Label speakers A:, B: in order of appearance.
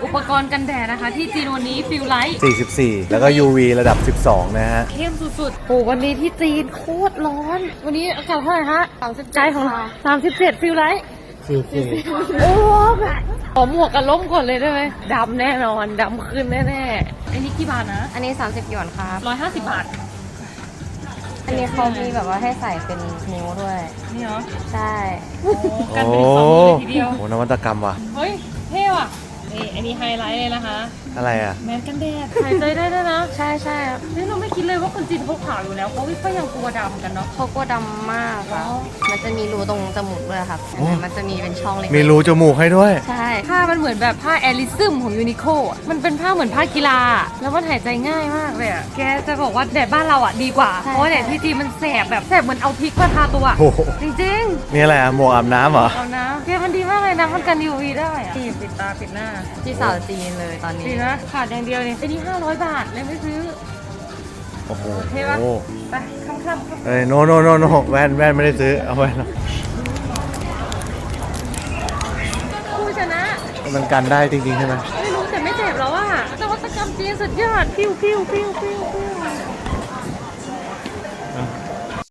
A: อุปกรณ์กันแดดนะคะที่จีนวันนี้ฟิลไลท์
B: 44 แล้วก็ UV ระดับ 12 นะฮะ
A: เข้มสุดๆโอ้วันนี้ที่จีนโคตรร้อน วันนี้อากาศเท่าไหร่ฮะ37ใจของเรา37ฟิลไลท์โอ้แบบขอหมวกกันล้มก่อนเลยได้ไหมดำแน่นอนดำขึ้นแน่ๆอันนี้กี่บาทนะ
C: อันนี้30หยวนครับ
A: 150 บาท
C: อันนี้เขามีแบบว่าให้ใส่เป็นนิ้วด้วย
A: นี่เหรอ
C: ใช่
A: โอ้กัน
B: โอ้
A: เป็น2 มือเลยทีเดียว
B: โหนวัตกรรมว่ะ
A: เฮ้ยเท่ว่ะนี่อันนี้ไฮไลท์เลยนะคะ
B: อะไรอ่ะ
A: แมสกันแดดหายใจได้ด้วยนะ
C: ใช่ใช่
A: นี่เราไม่คิดเลยว่าคนจีนเขาขาวอยู่แล้วเขาก็ยังกลัวดำกันเนาะ
C: เขากลัวดำมากค่ะ
A: อ๋อ
C: มันจะมีรูตรงจมูกด้วยครับ
B: โอ้
C: มันจะมีเป็นช่องเล็ก
B: มีรูจมูกให้ด้วย
C: ใช่
A: ผ้ามันเหมือนแบบผ้าแอลิซึมของยูนิโคอ่ะมันเป็นผ้าเหมือนผ้ากีฬาอะแล้วมันหายใจง่ายมากเลยอ่ะแกจะบอกว่าแดดบ้านเราอ่ะดีกว่าเพราะว่าแดดที่จีนมันแสบแบบแสบเหมือนเอาพริกมาทาตัว
B: โอ้โห
A: จริง
B: นี่อะไรอ่ะ หมวกอาบน้ำเหรอ
A: ๆเอานะแกมันดีมากเลยนะมันกัน UV ได้อ่ะนี่ปิดตาปิดหน้า
C: ที่สาวจีนเลยตอนนี้
A: ดีนะขาดอย่างเดียวเนี่ยไอ้นี่500 บาทเลยไม่ซื้อ
B: โอ้โห
A: โอเคปะ ไปค่ำๆ
B: เอ้ยโนแว่นไม่ได้ซื้อ เอาแว่น
A: ผู้ชนะ
B: มันกันได้จริงๆใช่ไหม
A: ไม่รู้แต่ไม่เจ็บแล้วอ่ะนวัตกรรมจีนสุดยอดพิ้วพิ้วพิ้วพิ้วพิ้ว